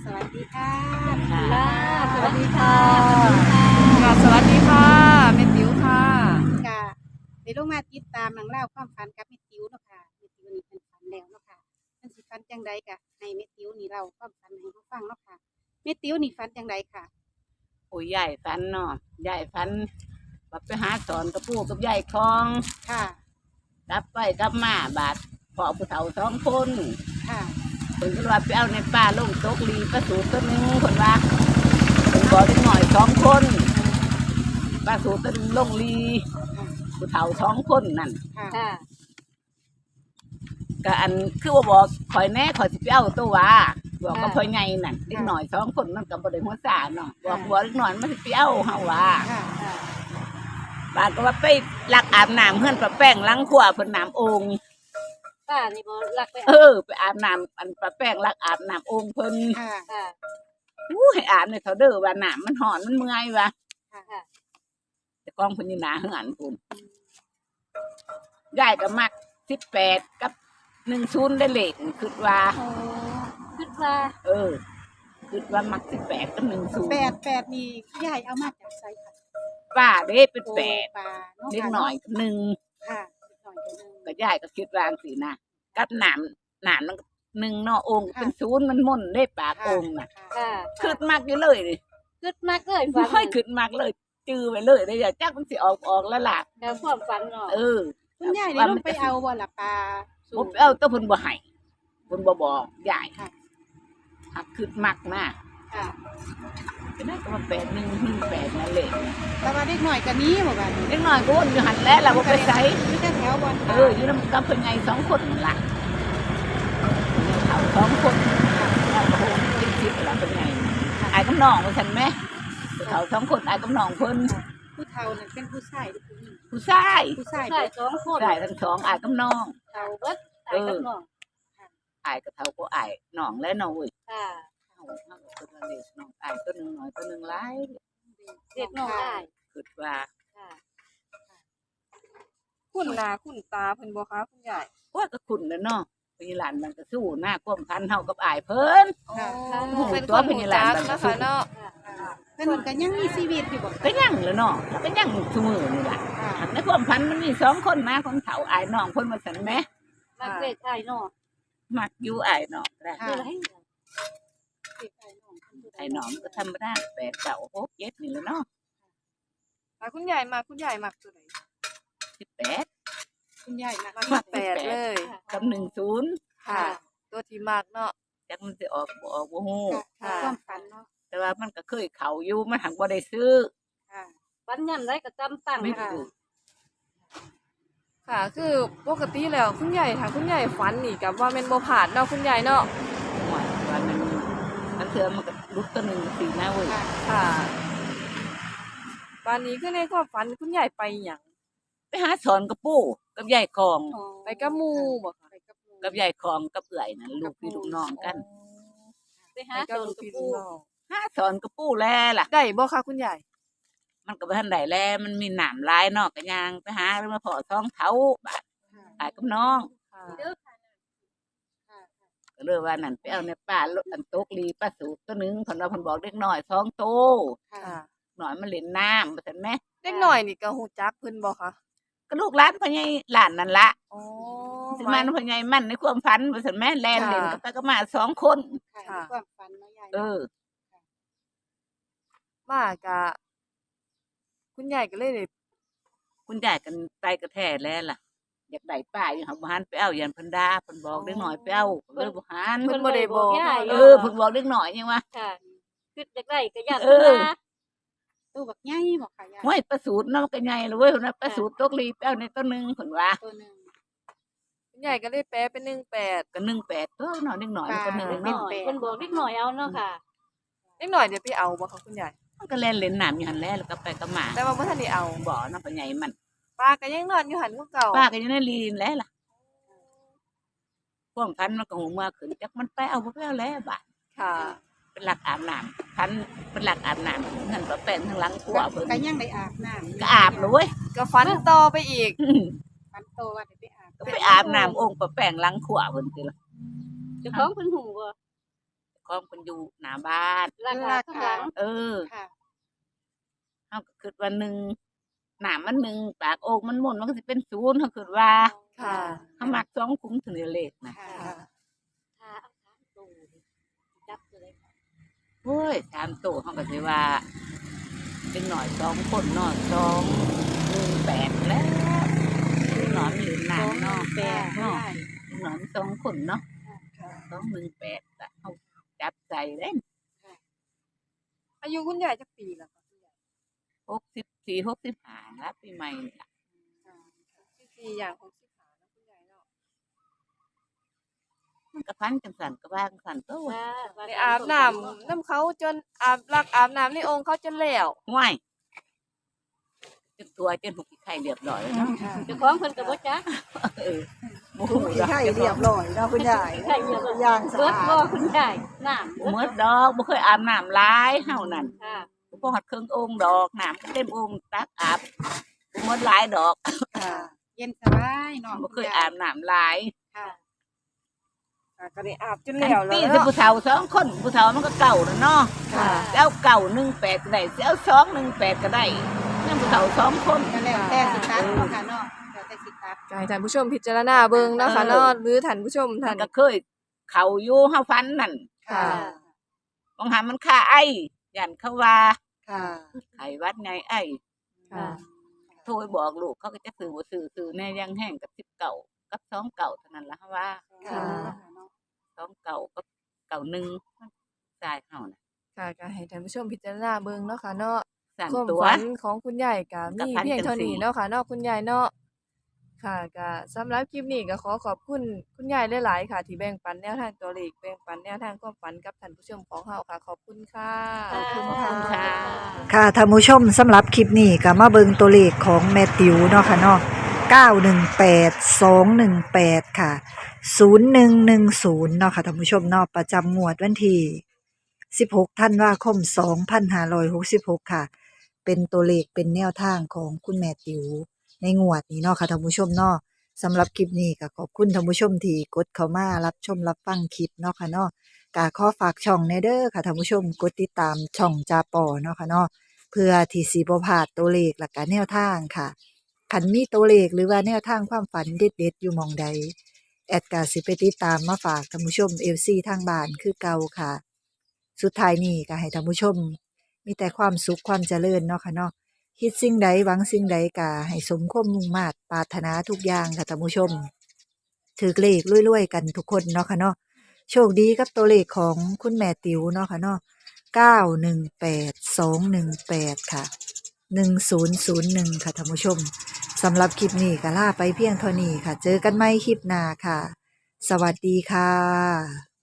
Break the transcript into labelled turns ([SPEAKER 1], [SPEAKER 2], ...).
[SPEAKER 1] สวัสดีค่ะ
[SPEAKER 2] ค่ะ
[SPEAKER 3] สวัสดีค่ะ
[SPEAKER 2] ค่ะสวัสดีค่ะแม่ติ๋วค่ะ
[SPEAKER 1] กะได้ลงมาติดตามหนังเล่าวความฝันกับแม่ติ๋วเนาะค่ะแม่ติ๋วนี่เป็นฝันแล้วเนาะค่ะเพิ่นสิฝันจังใดกะให้แม่ติ๋วนี่เราความฝันให้เขาฟังเนาะค่ะแม่ติ๋วนี่ฝันจังใดค่ะ
[SPEAKER 3] โอ้ยยายฟันเนาะยายฟันแบบไปหาสอนกับปู่กับยายคอง
[SPEAKER 1] ค่ะ
[SPEAKER 3] กลับไปกลับมาบาดพ่อผู้เฒ่า2 คน
[SPEAKER 1] ค่ะ
[SPEAKER 3] เพิ่นก็ว่าไปเอาในป่าลงตกลีปลาสูตรตัวหนึงเพิ่นว่าเพิ่นบอกได้หน่อย2 คนปลาสูตรตัวหนึงลงลีผู้เฒ่า2 คนนั่น
[SPEAKER 1] ค่ะ
[SPEAKER 2] ค่ะ
[SPEAKER 3] ก็อันคือว่าบอกข่อยแน่ข่อยสิไปเอาตัวว่าบอกกับพ่อใหญ่นั่นเด็กหน่อย2 คนมันก็บ่ได้หัวซ่าเนาะบอกเด็กหน่อยมันสิไปเอาเฮาว่า
[SPEAKER 1] ค่ะ
[SPEAKER 3] บาดก็ว่าไปลักอาบน้ำเฮือนป้าแป้งล้างขวาเพิ่นน้ำองค์
[SPEAKER 2] ค่ะนี่บ่รักไป
[SPEAKER 3] ไปอาบน้ำอันป้าแป้งลักอาบน้ำองค์เพิ่น
[SPEAKER 1] ค่ะ
[SPEAKER 2] ค่ะ
[SPEAKER 3] ให้อาบในเขาเด้อว่าน้ำมันร้อนมันเมื่อยว่ะ
[SPEAKER 2] ค่ะ
[SPEAKER 3] แต่กองเพิ่นอยู่หน้าเฮือนพุ่นยายก็มัก18กับ10ได้เลขคิดว่า
[SPEAKER 2] โอ้คิดว่า
[SPEAKER 3] คิดว่ามัก18กับ10
[SPEAKER 1] แปดนี่ยายเอามาจากไสค่ะ
[SPEAKER 3] ป้าเด้เป็น8
[SPEAKER 1] ปลาเนาะ
[SPEAKER 3] เล็กน้อยกับ1
[SPEAKER 1] ค่ะเล็กน้อยตัวหนึง
[SPEAKER 3] ก็ยายก็คิดว่าจังซี่นะกับน้ำมัน1เนาะองค์เป็น0มันม่นได้ปากองค์น่ะ
[SPEAKER 2] ค่ะ
[SPEAKER 3] คิดมักอยู่เลยนี่
[SPEAKER 2] คิดมากเลยฝัน
[SPEAKER 3] ค่อยขึ้นมากเลยจื้อไปเลยได้อย่าจักมันสิออกแล้วล่ะ
[SPEAKER 2] แล้วความฝันเนาะ
[SPEAKER 1] คุณยายได้ลงไปเอาบ่ล่ะปลาสู
[SPEAKER 3] ผมเอาแตะพุ่นบ่ให้เพุ่นบ่บอกยาย
[SPEAKER 1] ค่ะ
[SPEAKER 3] หักขึ้นมักนะ
[SPEAKER 1] ค่ะ
[SPEAKER 3] ก็ได้ก็มา8118นั่นแหละ
[SPEAKER 1] แต่ว่าเด็กน้อยก็หนี้บ่บัดนี้
[SPEAKER 3] เล็กน้อยก็วนอยู่หันแล้วล่ะบ่ไปไส
[SPEAKER 1] อยู่แต่แถวบ่อน
[SPEAKER 3] อยู่นำกับเพิ่นใหญ่2 คนนั่นล่ะเขา2 คนแล้วก็โหติดชิดล่ะเพิ่นใหญ่อายกับน้องว่าซั่นแหมเขา2 คนอายกับน้องเพิ่น
[SPEAKER 1] ผู้เฒ่านั่นเป็นผู้ชายหรือผู้หญิง
[SPEAKER 3] ผู้ชาย
[SPEAKER 1] ผู้ชาย
[SPEAKER 2] ใช่2คน
[SPEAKER 3] ได้ทั้งสองอายกับน้อง
[SPEAKER 2] เฒ่าเบิดตายกับน้อง
[SPEAKER 3] อายกับเฒ่าก็อายน้องและน้องเว้ย
[SPEAKER 2] ค่ะ
[SPEAKER 3] เอาตัวเล็กน้องอายตัวหนึ่งหน่อยตัวหนึ่งหลาย
[SPEAKER 2] เด็กน้องได้
[SPEAKER 3] คิดว่า
[SPEAKER 2] ค่ะ
[SPEAKER 4] คุณนาคุณตาเพิ่นบ่คะคุณยาย
[SPEAKER 3] ว่าก็คุณแล้วเนาะพี่หลานมันก็สู้หน้าความพันเฮากับอายเพิ่น
[SPEAKER 1] ค่ะ
[SPEAKER 3] โอ้โห
[SPEAKER 4] เป็น
[SPEAKER 3] ตั
[SPEAKER 4] ค
[SPEAKER 3] วน เป็น
[SPEAKER 4] หู
[SPEAKER 3] หลาน
[SPEAKER 4] จัก
[SPEAKER 3] มันก็
[SPEAKER 4] นะ
[SPEAKER 3] สู้
[SPEAKER 4] คะเนาะ
[SPEAKER 1] เพิ่นก็ยังมีชีวิตอยู่บ่
[SPEAKER 3] ก็ยังแล้วเนาะก็ยังซุมื้อนี่ล่ะ
[SPEAKER 1] ค่ะ
[SPEAKER 3] ในความพันมันมี2 คนนะคนเฒ่าอายน้องเพิ่นว่าซั่นแหม
[SPEAKER 2] มักเด็กชายเนาะ
[SPEAKER 3] มักอยู่อายน้องได้
[SPEAKER 2] คืออะไร
[SPEAKER 3] อายน้องก็ธรรมดา8 9 6 7นี่แหละเนาะ
[SPEAKER 4] คุณยายมาคุณยายมักตัวไหน
[SPEAKER 3] 18
[SPEAKER 1] คุณยายนะ
[SPEAKER 4] มักแปดเลย
[SPEAKER 3] กับ10
[SPEAKER 4] ค่ะ ตัวที่มักเนาะ
[SPEAKER 3] จักมันสิออกบ่ออกบ่ฮู้
[SPEAKER 1] ค่ะความฝันเนาะ
[SPEAKER 3] แต่ว่ามันก็เคยเข้าอยู่มันหักบ่ได้ซื้อ
[SPEAKER 1] ค่ะ
[SPEAKER 2] ฝันยามใดก็จำตั้ง
[SPEAKER 3] ไม่
[SPEAKER 2] ค่ะ
[SPEAKER 3] ถูก
[SPEAKER 4] ค่ะ คือปกติแล้วคุณยายถ้าคุณยายฝันนี่กับว่าแม่นบ่ผาดเนาะคุณยายเนาะ
[SPEAKER 3] หวยว่ามันเถื่อมันก็ลุกตัวหนึ่งสีหน้าเว้ย
[SPEAKER 1] ค่ะ
[SPEAKER 4] ค่ะวันนี้คือในความฝันคุณยายไปหยัง
[SPEAKER 3] ไปหาสอนกับปู่กับยายคอง
[SPEAKER 4] ไปกับหมู่บ่คะ
[SPEAKER 1] ไปกับหมู่
[SPEAKER 3] กับยายคองกับเอื่อยนั่นลูกพี่ลูกน้องกัน
[SPEAKER 2] ไปหา
[SPEAKER 4] ไปกับ
[SPEAKER 2] โจร
[SPEAKER 4] ลูก
[SPEAKER 2] กับ
[SPEAKER 4] พี่ลู
[SPEAKER 2] ปู่
[SPEAKER 4] กน้อง
[SPEAKER 3] หาสอนกับปู่แล้วล่ะ
[SPEAKER 4] ได้บ่คะคุณยาย
[SPEAKER 3] มันก็บ่ทันได้แล้วมันมีหนามหลายเนอกกันยางไปหาแล้วมาพอท้องเท้าบาด
[SPEAKER 1] ค่ะ
[SPEAKER 3] ตายกับน้อง
[SPEAKER 4] ค่ะ
[SPEAKER 2] เด้อค่ะ
[SPEAKER 1] ค่ะ
[SPEAKER 3] ก็เลยว่านั่นไปเอาในป่าอันตกลีป้าสูตรตัวหนึงเพิ่นว่าเพิ่นบอกเด็กน้อย2 โต
[SPEAKER 1] ค่ะ
[SPEAKER 4] ค่ะ
[SPEAKER 3] หน่อยมันเล่นน้ำว่าซั่นแหม
[SPEAKER 4] เด็กน้อยนี่ก็ฮู้จักเพิ่นบ่คะ
[SPEAKER 3] ก็ลูกหลานพ่อใหญ่หลานนั่นละ
[SPEAKER 4] อ๋อ
[SPEAKER 3] สิมันพ่อใหญ่มันในความฝันว่าซั่นแหมแล่นเล่นกับตาก็มา2 คน
[SPEAKER 1] ค่ะในความฝันเนาะยาย
[SPEAKER 3] เอ
[SPEAKER 1] เนาะ
[SPEAKER 3] อ
[SPEAKER 4] มากะคุณยายก็เลยได้
[SPEAKER 3] คุณยายกันไปกระแท้แล้วล่ะ อยากได้ป้าอยู่หักบ่หันไปเอายันเพิ่นด่าเพิ่นบอกเด็กน้อยไปเอาเพิ่นบ่หัน
[SPEAKER 4] เพิ่นบ่ได้บอก
[SPEAKER 2] ยาย
[SPEAKER 3] เออเพิ่นบอกเด็กน้อยยังว่า
[SPEAKER 2] ค่ะคืออยากได้ก็อยาก
[SPEAKER 3] เออ
[SPEAKER 2] นะ
[SPEAKER 1] ตู้บักใหญ่บ่ค่ะยาย
[SPEAKER 3] ห้วยประสูตรเนาะมันก็ใหญ่เลยเว้ยเพิ่นว่าประสูตรตกลีไปเอาในต้นหนึงเพิ่นว่า
[SPEAKER 1] ตัวหนึง
[SPEAKER 4] คุณยายก็เลยแปลเป็น18
[SPEAKER 3] ก็18ตัวเนาะเด็กน้อยมันก็
[SPEAKER 1] ป้า
[SPEAKER 3] 1
[SPEAKER 2] เด็ก
[SPEAKER 3] เนาะ
[SPEAKER 2] น้อยเพิ่นบอกเด็กน้อยเอาเนาะค่ะ
[SPEAKER 4] เล็กหน่อยเดี๋ยวไปเอาบ่คะคุณยาย
[SPEAKER 3] มันก็เล่นเล่นน้ำอยู่หั่นแหละแล้วก็ไปก็มา
[SPEAKER 4] แต่ว่าบ่ทันได้เอา
[SPEAKER 3] บ่เนาะพ่อใหญ่มัน
[SPEAKER 4] ป้าก็ยังนอนอยู่หันคือเก่า
[SPEAKER 3] ป้าก็อยู่ในลีนแล้วล่ะความพันมันก็หูเมื่อขึ้นจักมันไปเอาบ่ไปเอาแล้วบาด
[SPEAKER 4] ค่ะ
[SPEAKER 3] เป็นหลักอาบน้ำพันเป็นหลักอาบน้ำนั่นก็เป็นทางหลังครัวเพิ่น
[SPEAKER 1] ก็ยังได้อาบน้ำ
[SPEAKER 3] ก็อาบเลยเว้ย
[SPEAKER 4] ก็ฟันต่อไปอีก
[SPEAKER 1] ฝันโตว่าได้ไปอาบ
[SPEAKER 3] ก็ไปอาบน้ำองค์ประแป้งหลังขวาเพิ่นติล่ะ
[SPEAKER 2] เจ้าของเพิ่นหูบ่
[SPEAKER 3] ของเพิ่นอยู่หน้าบ้าน
[SPEAKER 1] ราคาข้างหลัง
[SPEAKER 3] เออ
[SPEAKER 1] ค่ะ
[SPEAKER 3] เฮาก็คิดว่า1น้ำมัน1ปากโอ่งมันหมุนมันก็สิเป็น0เฮาคิดว่า
[SPEAKER 4] ค่ะ
[SPEAKER 3] เฮามัก2คุ้มถึงเลขน่ะ
[SPEAKER 1] ค่ะ
[SPEAKER 4] ค่ะ
[SPEAKER 3] โอ้ย3ตัวเฮาก็สิว่าเป็นหน่อย2คนเนาะ218แล้วคือหนอนอยู่นานเนาะ
[SPEAKER 1] 218
[SPEAKER 3] เนาะหนอน2คนเนาะ218ก็เฮาจับใจเด้
[SPEAKER 4] อายุคุณยายจักปีแล้วคะคุณยาย
[SPEAKER 3] 64 65แล้วปีใหม่นี่ล่ะ
[SPEAKER 4] 64อย่าง65นะคุณยายเนาะ
[SPEAKER 3] มันก็พันจังซั่นก็ว่าจังซั่นโต
[SPEAKER 4] ได้อาบน้ำน้ำเขาจนอาบน้ำในโอ่งเขาจนแล้ว
[SPEAKER 3] ห่วยจนตัวจนหุบขี้ไข่เรียบร้อยแล้วเนาะ
[SPEAKER 1] เจ้าของเพิ่นก็บ่จัก
[SPEAKER 3] เออบ่
[SPEAKER 5] ถู
[SPEAKER 3] ฮู้
[SPEAKER 5] กขี้ไข่เรียบร้อยเนาะคุณยายย่างสะ
[SPEAKER 1] เบิด
[SPEAKER 5] อา
[SPEAKER 1] บ่
[SPEAKER 5] ด
[SPEAKER 1] คุณยายน้ำ
[SPEAKER 3] บ่หมดดอกบ่เคยอาบน้ำหลายเฮานั่น
[SPEAKER 1] ค่ะ
[SPEAKER 3] บ่ฮอดครึ่งโอ่งดอกน้ำก็เต็มโอ่งตักอาบบ่หมดหลายดอก
[SPEAKER 5] ค่ะ
[SPEAKER 1] เย็นสบายเนาะ
[SPEAKER 3] บ่เคยอาบน้ำหลาย
[SPEAKER 1] ค่ะ
[SPEAKER 5] ก็ได้อาบจนแล้ว
[SPEAKER 3] ตี
[SPEAKER 5] แล้ว
[SPEAKER 3] สิ
[SPEAKER 5] เนาะ
[SPEAKER 3] ผู้เฒ่า2คนผู้เฒ่ามันก็เก่าแล้วเนาะ
[SPEAKER 5] ค่ะ
[SPEAKER 3] สิเอาเก่า18ก็ได้สิเอา218ก็ได้นำผู้เฒ่า2คน
[SPEAKER 1] ก็แล้วแต่สิตัดเนาะค่ะเนาะแล้วแต่สิตัด
[SPEAKER 4] ก็ให้ท่านผู้ชมพิจารณาเบิ่งเนาะค่ะเนาะหรือท่านผู้ชม
[SPEAKER 3] มั
[SPEAKER 4] ท่าน น
[SPEAKER 3] ก็เคยเข้าอยู่เฮาฟันนั่น
[SPEAKER 5] ค่ะ
[SPEAKER 3] บางหามันค่าไอ้ย่านเขาว่า
[SPEAKER 5] ค่ะ
[SPEAKER 3] ไข้หวัดไงไอ้
[SPEAKER 4] ค่ะ
[SPEAKER 3] โทรไปบอกลูกเขาก็จะซื้อบ่ซื้อแน่ยังแห้งกับ10เก่ากับ2เก่าเท่านั้นล่ะว่า
[SPEAKER 5] ค่ะ
[SPEAKER 3] 2เก่ากับเก่า1มันจ่ายเฮาน่ะ
[SPEAKER 4] ค่ะก็ให้ท่านผู้ชมพิจารณาเบิ่งเนาะค่ะเนาะ
[SPEAKER 3] สั่น
[SPEAKER 4] ความ
[SPEAKER 3] ตัว
[SPEAKER 4] ฝันของคุณยายก็
[SPEAKER 3] ก็
[SPEAKER 4] มี
[SPEAKER 3] ฝัน
[SPEAKER 4] เพียงเท่า
[SPEAKER 3] จังซี้
[SPEAKER 4] นี้เนาะค่ะเนาะคุณยายเนาะค่ะก็สำหรับคลิปนี้ก็ขอขอบคุณคุณยายหลายๆค่ะ ที่แบ่งปันแนวทางตัวเลขแบ่งปันแนวทางความฝันกับท่านผู้ชมของเฮาค่ะ ขอบคุณค่ะ
[SPEAKER 5] ขอบคุณ
[SPEAKER 3] ขอบคุณค่ะ
[SPEAKER 5] ค่ะท่านผู้ชมสำหรับคลิปนี้ก็มาเบิ่งตัวเลขของแม่ติ๋วเนาะค่ะเนาะ918 218 ค่ะ 0110 เนาะค่ะท่านผู้ชมเนาะประจำงวดวันที่16ธันวาคม2566 ค่ะ เป็นตัวเลขเป็นแนวทางของคุณแม่ติ๋วในงวดนี้เนาะค่ะท่านผู้ชมเนาะสำหรับคลิปนี้ก็ขอบคุณท่านผู้ชมที่กดเข้ามารับชมรับฟังคลิปเนาะค่ะเนาะ ก็ขอฝากช่องแหน่เด้อค่ะท่านผู้ชมกดติดตามช่องจาปอเนาะค่ะเนาะเพื่อที่สิบ่พลาดตัวเลขและก็แนวทางค่ะคันมีตัวเลขหรือว่าแนวทางความฝันเด็ดๆอยู่หม้องใดแอดก็สิไปติดตามมาฝากท่านผู้ชม FC ทางบ้านคือเก่าค่ะ สุดท้ายนี้ก็ให้ท่านผู้ชม มีแต่ความสุขความเจริญเนาะค่ะเนาะคิดสิ่งใดหวังสิ่งใดก็ให้สมความมุ่งมา่ปรารถนาทุกอย่างค่ะท่านผู้ชมถือเลขรวยๆกันทุกคนเนาะค่ะเนาะ โชคดีกับตัวเลขของคุณแม่ติ๋วเนาะค่ะเนาะ918218 ค่ะ 1001 ค่ะท่านผู้ชม สำหรับคลิปนี้ก็ลาไปเพียงเท่านี้ค่ะ เจอกันใหม่คลิปหน้าค่ะ สวัสดีค่ะ